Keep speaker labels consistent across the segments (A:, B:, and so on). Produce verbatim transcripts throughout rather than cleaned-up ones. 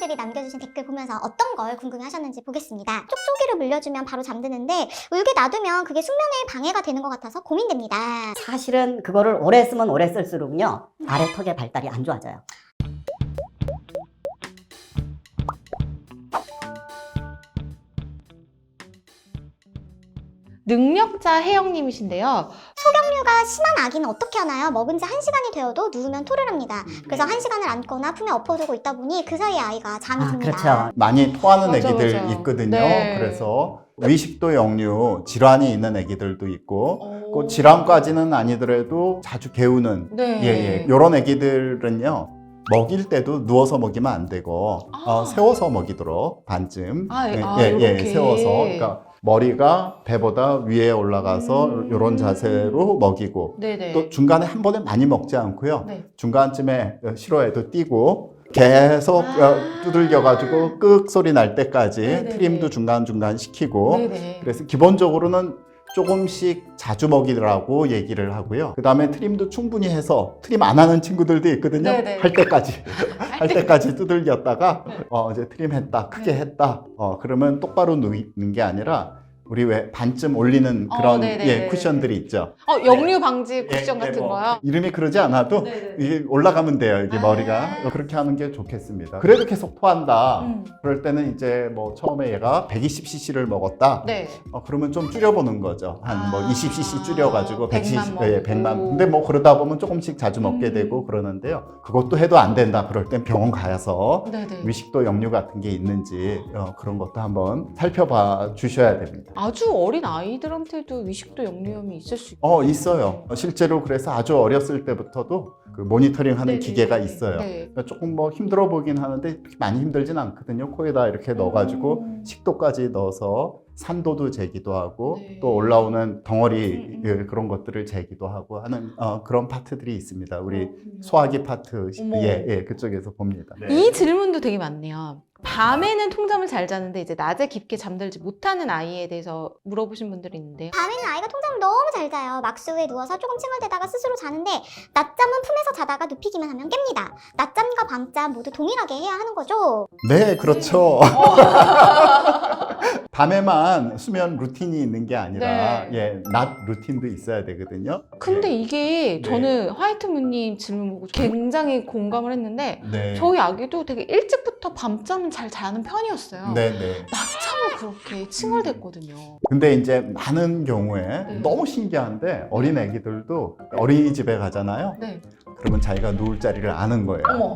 A: 분들이 남겨주신 댓글 보면서 어떤 걸 궁금해 하셨는지 보겠습니다. 촉촉이를 물려주면 바로 잠드는데 울게 놔두면 그게 숙면에 방해가 되는 것 같아서 고민됩니다.
B: 사실은 그거를 오래 쓰면 오래 쓸수록요 아래 턱의 발달이 안 좋아져요.
C: 능력자 혜영님이신데요.
A: 소경류가 심한 아기는 어떻게 하나요? 먹은 지 한 시간이 되어도 누우면 토를 합니다. 그래서 한 시간을 안거나 품에 엎어두고 있다 보니 그 사이에 아이가 잠이
B: 아,
A: 듭니다.
B: 그렇죠.
D: 많이 토하는
C: 맞아,
D: 애기들
C: 맞아.
D: 있거든요.
C: 네.
D: 그래서 위식도 역류 질환이 있는 애기들도 있고
C: 오.
D: 그 질환까지는 아니더라도 자주 개우는
C: 네.
D: 예, 예. 이런 애기들은요 먹일 때도 누워서 먹이면 안 되고
C: 아.
D: 어, 세워서 먹이도록 반쯤
C: 아,
D: 예,
C: 아,
D: 예, 예,
C: 이렇게.
D: 세워서 그러니까 머리가 배보다 위에 올라가서
C: 음.
D: 이런 자세로 먹이고
C: 네네.
D: 또 중간에 한 번에 많이 먹지 않고요.
C: 네.
D: 중간쯤에 싫어해도 띄고 계속
C: 아.
D: 어, 두들겨가지고 끄ꯛ 소리 날 때까지
C: 네네네.
D: 트림도 중간중간 시키고
C: 네네.
D: 그래서 기본적으로는 조금씩 자주 먹이라고 얘기를 하고요. 그 다음에 트림도 충분히 해서 트림 안 하는 친구들도 있거든요.
C: 네네.
D: 할 때까지 할
C: 때-
D: 때까지 두들겼다가
C: 네.
D: 어 이제 트림 했다 크게
C: 네.
D: 했다 어 그러면 똑바로 누이는 게 아니라 우리 왜 반쯤 올리는
C: 어,
D: 그런
C: 네네네.
D: 예, 쿠션들이 있죠.
C: 어, 역류 방지
D: 예,
C: 쿠션
D: 예,
C: 같은
D: 뭐
C: 거요?
D: 이름이 그러지 않아도
C: 네네.
D: 이게 올라가면 돼요. 이게
C: 아.
D: 머리가 그렇게 하는 게 좋겠습니다. 그래도 계속 토한다.
C: 음.
D: 그럴 때는 이제 뭐 처음에 얘가 백이십 씨씨를 먹었다.
C: 네.
D: 어, 그러면 좀 줄여보는 거죠. 한 뭐
C: 아.
D: 이십 씨씨 줄여가지고 백십,
C: 백만
D: 예, 백만.
C: 먹고.
D: 근데 뭐 그러다 보면 조금씩 자주 먹게
C: 음.
D: 되고 그러는데요. 그것도 해도 안 된다. 그럴 땐 병원 가서
C: 네네.
D: 위식도 역류 같은 게 있는지 어, 그런 것도 한번 살펴봐 주셔야 됩니다.
C: 아주 어린 아이들한테도 위식도 역류염이 있을 수 있고.
D: 어, 있어요. 어, 실제로 그래서 아주 어렸을 때부터도 그 모니터링 하는
C: 네네네.
D: 기계가 있어요.
C: 네.
D: 그러니까 조금 뭐 힘들어 보긴 하는데 많이 힘들진 않거든요. 코에다 이렇게 넣어가지고
C: 음.
D: 식도까지 넣어서 산도도 재기도 하고
C: 네.
D: 또 올라오는 덩어리
C: 음, 음.
D: 예, 그런 것들을 재기도 하고 하는 어, 그런 파트들이 있습니다. 우리
C: 그렇군요.
D: 소화기 파트
C: 어머.
D: 예, 예, 그쪽에서 봅니다.
C: 이 질문도 되게 많네요. 밤에는 통잠을 잘 자는데 이제 낮에 깊게 잠들지 못하는 아이에 대해서 물어보신 분들이 있는데요.
A: 밤에는 아이가 통잠을 너무 잘 자요. 막수에 누워서 조금 칭얼대다가 스스로 자는데 낮잠은 품에서 자다가 눕히기만 하면 깹니다. 낮잠과 밤잠 모두 동일하게 해야 하는 거죠?
D: 네, 그렇죠. 밤에만 수면 루틴이 있는 게 아니라
C: 네.
D: 예, 낮 루틴도 있어야 되거든요.
C: 근데 이게
D: 네.
C: 저는 화이트문님 질문 보고 굉장히 공감을 했는데
D: 네.
C: 저희 아기도 되게 일찍부터 밤잠을 잘 자는 편이었어요.
D: 네, 네.
C: 낮잠을 그렇게 칭얼댔거든요.
D: 근데 이제 많은 경우에
C: 네.
D: 너무 신기한데 어린 애기들도 어린이집에 가잖아요.
C: 네.
D: 그러면 자기가 누울 자리를 아는 거예요.
C: 어머.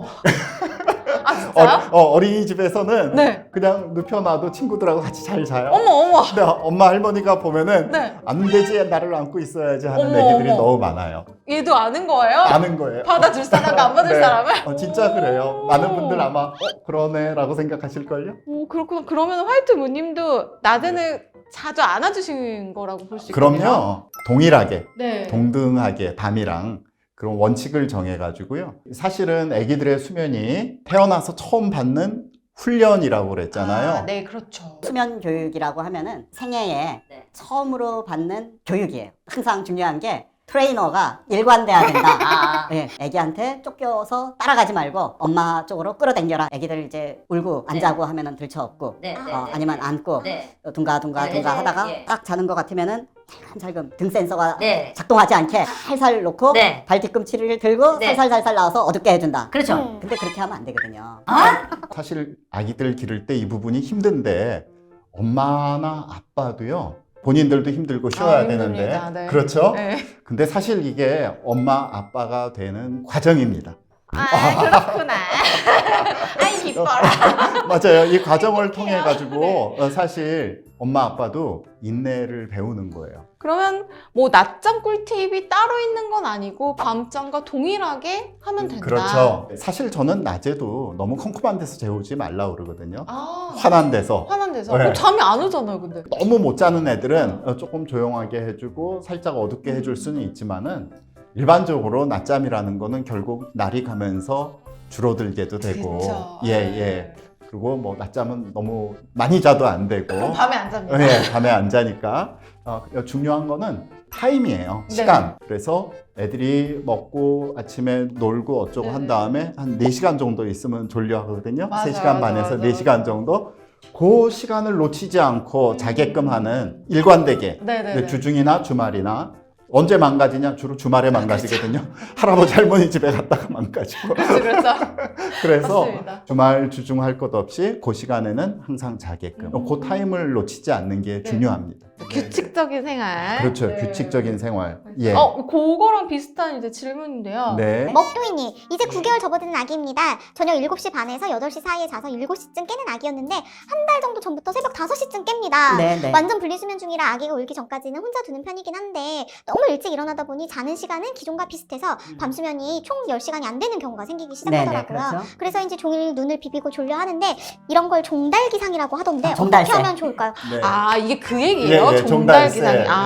C: 아 진짜요?
D: 어, 어린이집에서는
C: 네.
D: 그냥 눕혀놔도 친구들하고 같이 잘 자요.
C: 어머 어머.
D: 근데 엄마 할머니가 보면은
C: 네.
D: 안 되지 나를 안고 있어야지 하는
C: 어머,
D: 애기들이
C: 어머.
D: 너무 많아요.
C: 얘도 아는 거예요?
D: 아는 거예요.
C: 받아줄 사람과 안 받을
D: 네.
C: 사람을?
D: 어, 진짜 그래요.
C: 오.
D: 많은 분들 아마 어 그러네라고 생각하실걸요.
C: 오 그렇구나. 그러면 화이트문님도 낮에는 자주 안아주신 거라고 볼 수 있겠네요.
D: 그럼요. 동일하게
C: 네.
D: 동등하게 밤이랑 그런 원칙을 정해가지고요. 사실은 아기들의 수면이 태어나서 처음 받는 훈련이라고 그랬잖아요.
C: 아, 네, 그렇죠.
B: 수면 교육이라고 하면은 생애에 처음으로 받는 교육이에요. 항상 중요한 게 트레이너가 일관돼야 된다. 예, 애기한테 쫓겨서 따라가지 말고 엄마 쪽으로 끌어당겨라. 애기들 이제 울고 안
E: 네.
B: 자고 하면은 들쳐업고
E: 네, 네,
B: 어,
E: 네,
B: 아니면
E: 네.
B: 안고
E: 네.
B: 어, 둥가둥가
E: 네,
B: 둥가
E: 네,
B: 하다가
E: 네.
B: 딱 자는 것 같으면은 살살금 등 센서가
E: 네.
B: 작동하지 않게 살살 놓고
E: 네.
B: 발 뒤꿈치를 들고
E: 네.
B: 살살살살 나와서 어둡게 해준다.
E: 그렇죠.
A: 음.
B: 근데 그렇게 하면 안 되거든요.
E: 아?
D: 사실 아기들 기를 때 이 부분이 힘든데 엄마나 아빠도요. 본인들도 힘들고 쉬어야
C: 아,
D: 되는데
C: 힘듭니다. 네.
D: 그렇죠?
C: 네.
D: 근데 사실 이게 엄마 아빠가 되는 과정입니다.
C: 아, 그렇구나. 아이, 기뻐라.
D: 맞아요. 이 과정을 통해 가지고 어, 사실 엄마 아빠도 인내를 배우는 거예요.
C: 그러면 뭐 낮잠 꿀팁이 따로 있는 건 아니고 밤잠과 동일하게 하면 된다.
D: 그렇죠. 사실 저는 낮에도 너무 컴컴한 데서 재우지 말라고 그러거든요.
C: 아,
D: 환한 데서.
C: 화난 데서.
D: 네.
C: 어, 잠이 안 오잖아요, 근데.
D: 너무 못 자는 애들은 어, 조금 조용하게 해주고 살짝 어둡게 해줄 수는 있지만은 일반적으로 낮잠이라는 거는 결국 날이 가면서 줄어들게도 되고
C: 그쵸.
D: 예, 예. 그리고 뭐 낮잠은 너무 많이 자도 안 되고
C: 그럼 밤에 안 잡니다.
D: 예, 밤에 안 자니까 어, 중요한 거는 타임이에요.
C: 네.
D: 시간. 그래서 애들이 먹고 아침에 놀고 어쩌고 한
C: 네네.
D: 다음에 한 네 시간 정도 있으면 졸려 하거든요.
C: 맞아,
D: 세 시간
C: 맞아,
D: 반에서
C: 맞아,
D: 네 시간
C: 맞아.
D: 정도. 그 시간을 놓치지 않고 자게끔 하는 일관되게
C: 네네네.
D: 주중이나 주말이나 언제 망가지냐? 주로 주말에 망가지거든요. 할아버지 할머니 집에 갔다가 망가지고.
C: 그렇죠, 그렇죠.
D: 그래서
C: 맞습니다.
D: 주말 주중 할 것 없이 그 시간에는 항상 자게끔
C: 음.
D: 그 타임을 놓치지 않는 게
C: 네.
D: 중요합니다.
C: 규칙적인 생활.
D: 그렇죠.
C: 네.
D: 규칙적인 생활. 예.
C: 어, 그거랑 비슷한 이제 질문인데요.
D: 네.
A: 먹도이니 이제 구 개월 접어드는 아기입니다. 저녁 일곱 시 반에서 여덟 시 사이에 자서 일곱 시쯤 깨는 아기였는데 한 달 정도 전부터 새벽 다섯 시쯤 깹니다.
B: 네, 네.
A: 완전 분리수면 중이라 아기가 울기 전까지는 혼자 두는 편이긴 한데 너무 일찍 일어나다 보니 자는 시간은 기존과 비슷해서 밤수면이 총 열 시간이 안 되는 경우가 생기기
B: 네,
A: 시작하더라고요.
B: 네, 그렇죠.
A: 그래서인지 종일 눈을 비비고 졸려 하는데 이런 걸 종달기상이라고 하던데
B: 아, 종달새.
A: 어떻게 하면 좋을까요?
D: 네.
C: 아, 이게 그 얘기예요?
D: 예, 예, 종달새.
C: 종달기상이.
D: 예,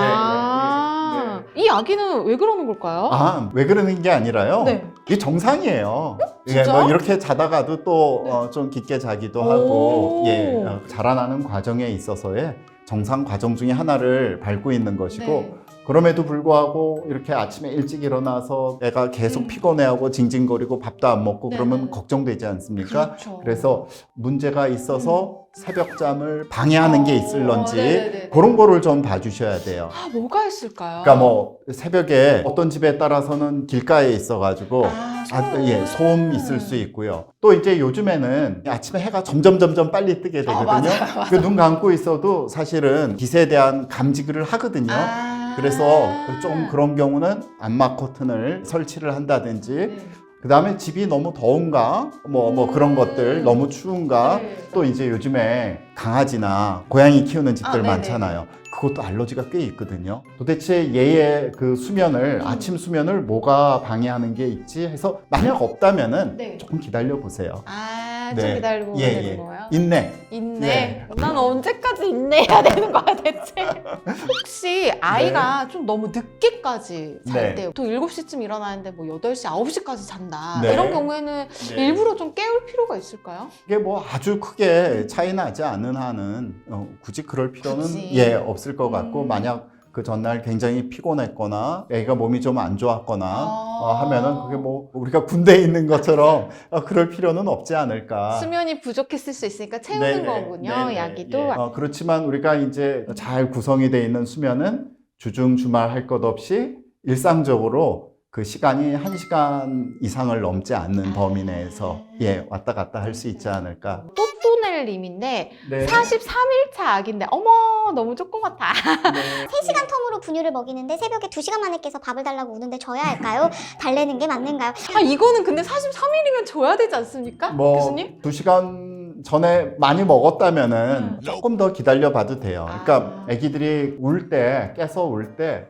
C: 아,
D: 예,
C: 이 아기는 왜 그러는 걸까요?
D: 아, 왜 그러는 게 아니라요.
C: 네.
D: 이게 정상이에요. 예,
C: 진짜요?
D: 뭐 이렇게 자다가도 또
C: 네.
D: 어, 좀 깊게 자기도 하고,
C: 오.
D: 예, 어, 자라나는 과정에 있어서의 정상 과정 중에 하나를 밟고 있는 것이고,
C: 네.
D: 그럼에도 불구하고 이렇게 아침에 일찍 일어나서 애가 계속
C: 음.
D: 피곤해하고 징징거리고 밥도 안 먹고
C: 네,
D: 그러면
C: 네.
D: 걱정되지 않습니까?
C: 그렇죠.
D: 그래서 문제가 있어서 새벽잠을 방해하는 게
C: 어,
D: 있을런지
C: 네네네.
D: 그런 거를 좀 봐주셔야 돼요.
C: 아, 뭐가 있을까요?
D: 그러니까 뭐 새벽에 어떤 집에 따라서는 길가에 있어가지고
C: 아,
D: 아,
C: 소음.
D: 예, 소음 있을 수 있고요. 또 이제 요즘에는 아침에 해가 점점 점점 빨리 뜨게 되거든요.
C: 맞아요, 맞아요.
D: 그 눈 감고 있어도 사실은 빛에 대한 감지를 하거든요.
C: 아.
D: 그래서 좀 그런 경우는 암막 커튼을 설치를 한다든지,
C: 네.
D: 그 다음에 집이 너무 더운가, 뭐, 뭐 그런 것들, 너무 추운가,
C: 네.
D: 또 이제 요즘에 강아지나 고양이 키우는 집들
C: 아, 네네.
D: 많잖아요. 그것도 알러지가 꽤 있거든요. 도대체 얘의 그 수면을,
C: 음.
D: 아침 수면을 뭐가 방해하는 게 있지 해서 만약 없다면은
C: 네.
D: 조금 기다려 보세요.
C: 아,
D: 네.
C: 좀 기다리고
D: 예,
C: 되는
D: 예.
C: 거예요?
D: 인내.
C: 인내.
D: 네.
C: 난 언제까지 인내해야 되는 거야 대체? 혹시 아이가 좀 너무 늦게까지 잘
D: 네.
C: 때, 또 일곱 시쯤 일어나는데 뭐 여덟 시, 아홉 시까지 잔다.
D: 네.
C: 이런 경우에는
D: 네.
C: 일부러 좀 깨울 필요가 있을까요?
D: 이게 뭐 아주 크게 차이 나지 않은 한은 어, 굳이 그럴 필요는
C: 굳이.
D: 예 없을 것 같고,
C: 음.
D: 만약 그 전날 굉장히 피곤했거나 애가 몸이 좀 안 좋았거나
C: 아.
D: 어, 하면은 그게 뭐 우리가 군대에 있는 것처럼 어, 그럴 필요는 없지 않을까.
C: 수면이 부족했을 수 있으니까 채우는
D: 네네.
C: 거군요,
D: 네네.
C: 야기도.
D: 예. 어, 그렇지만 우리가 이제 잘 구성이 되어 있는 수면은 주중 주말 할 것 없이 일상적으로 그 시간이 한 시간 이상을 넘지 않는 범위 내에서 예 왔다 갔다 할 수 있지 않을까.
C: 또또넬님인데
D: 네.
C: 사십삼 일차 아기인데 어머 너무 조그맣다.
A: 세 시간 텀으로 분유를 먹이는데 새벽에 두 시간 만에 깨서 밥을 달라고 우는데 줘야 할까요? 달래는 게 맞는가요?
C: 아 이거는 근데 사십삼 일이면 줘야 되지 않습니까?
D: 뭐
C: 교수님?
D: 두 시간 전에 많이 먹었다면은
C: 음.
D: 조금 더 기다려 봐도 돼요. 그러니까
C: 아.
D: 아기들이 울 때, 깨서 울 때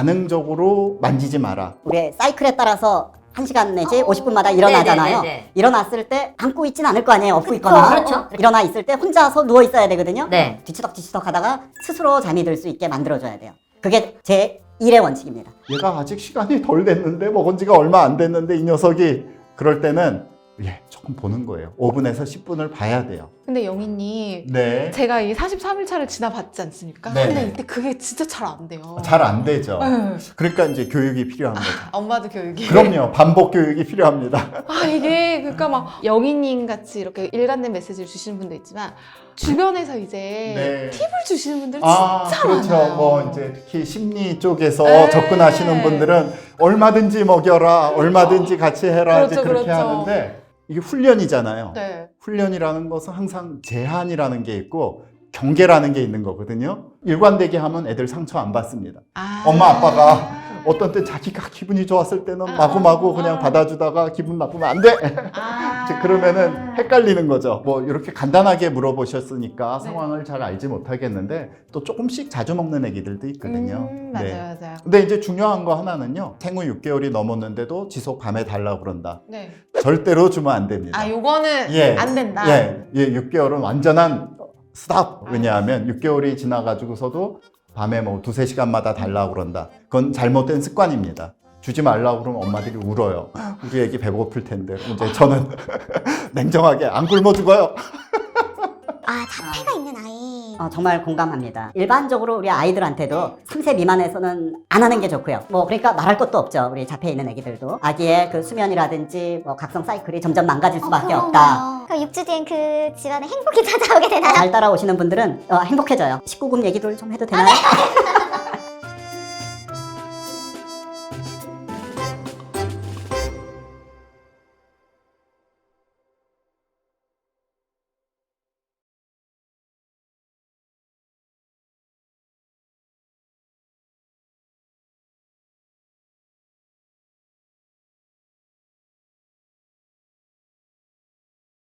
D: 반응적으로 만지지 마라.
B: 우리 사이클에 따라서 한 시간 내지
C: 어.
B: 오십 분마다 일어나잖아요.
E: 네네네네.
B: 일어났을 때 안고 있진 않을 거 아니에요. 업고 있거나.
E: 그렇죠.
B: 일어나 있을 때 혼자서 누워 있어야 되거든요.
E: 네.
B: 뒤치덕 뒤치덕 하다가 스스로 잠이 들 수 있게 만들어줘야 돼요. 그게 제 일의 원칙입니다.
D: 얘가 아직 시간이 덜 됐는데, 먹은 지가 얼마 안 됐는데 이 녀석이, 그럴 때는 예 조금 보는 거예요. 오 분에서 십 분을 봐야 돼요.
C: 근데 영희님
D: 네.
C: 제가 이 사십삼 일차를 지나봤지 않습니까?
D: 네.
C: 근데 이때 그게 진짜 잘 안 돼요.
D: 잘 안 되죠.
C: 네.
D: 그러니까 이제 교육이 필요한 거죠.
C: 엄마도 교육이.
D: 그럼요. 반복 교육이 필요합니다.
C: 아 이게 그러니까 막 영희님 같이 이렇게 일관된 메시지를 주시는 분도 있지만 주변에서 이제
D: 네.
C: 팁을 주시는 분들
D: 아,
C: 진짜
D: 그렇죠.
C: 많아요.
D: 뭐 이제 특히 심리 쪽에서
C: 네.
D: 접근하시는 분들은 얼마든지 먹여라, 얼마든지 같이 해라, 이제
C: 그렇죠,
D: 그렇게
C: 그렇죠.
D: 하는데, 이게 훈련이잖아요.
C: 네.
D: 훈련이라는 것은 항상 제한이라는 게 있고 경계라는 게 있는 거거든요. 일관되게 하면 애들 상처 안 받습니다.
C: 아.
D: 엄마 아빠가 어떤 때 자기가 기분이 좋았을 때는
C: 아,
D: 마구마구
C: 아.
D: 그냥 받아주다가 기분 나쁘면 안 돼.
C: 아.
D: 이제 그러면은 헷갈리는 거죠. 뭐 이렇게 간단하게 물어보셨으니까
C: 네.
D: 상황을 잘 알지 못하겠는데, 또 조금씩 자주 먹는 애기들도 있거든요.
C: 음, 맞아요,
D: 네.
C: 맞아요.
D: 근데 이제 중요한 거 하나는요. 생후 육 개월이 넘었는데도 지속 밤에 달라고 그런다.
C: 네.
D: 절대로 주면 안 됩니다.
C: 아 요거는
D: 예.
C: 안 된다.
D: 예, 예, 육 개월은 완전한 스탑. 왜냐하면 육 개월이 지나가지고서도 밤에 뭐 두세 시간마다 달라고 그런다. 그건 잘못된 습관입니다. 주지 말라고 그러면 엄마들이 울어요. 우리 애기 배고플 텐데. 이제 저는 냉정하게 안 굶어 죽어요.
A: 아 자폐가 있는 아이
B: 어, 정말 공감합니다. 일반적으로 우리 아이들한테도 삼 세 미만에서는 안 하는 게 좋고요. 뭐 그러니까 말할 것도 없죠. 우리 자폐 있는 애기들도 아기의 그 수면이라든지 뭐 각성 사이클이 점점 망가질 수밖에 없다.
A: 그럼 육 주 뒤엔 그 집안에 행복이 찾아오게 되나요?
B: 잘 따라오시는 분들은 어, 행복해져요. 십구 금 얘기들 좀 해도 되나요?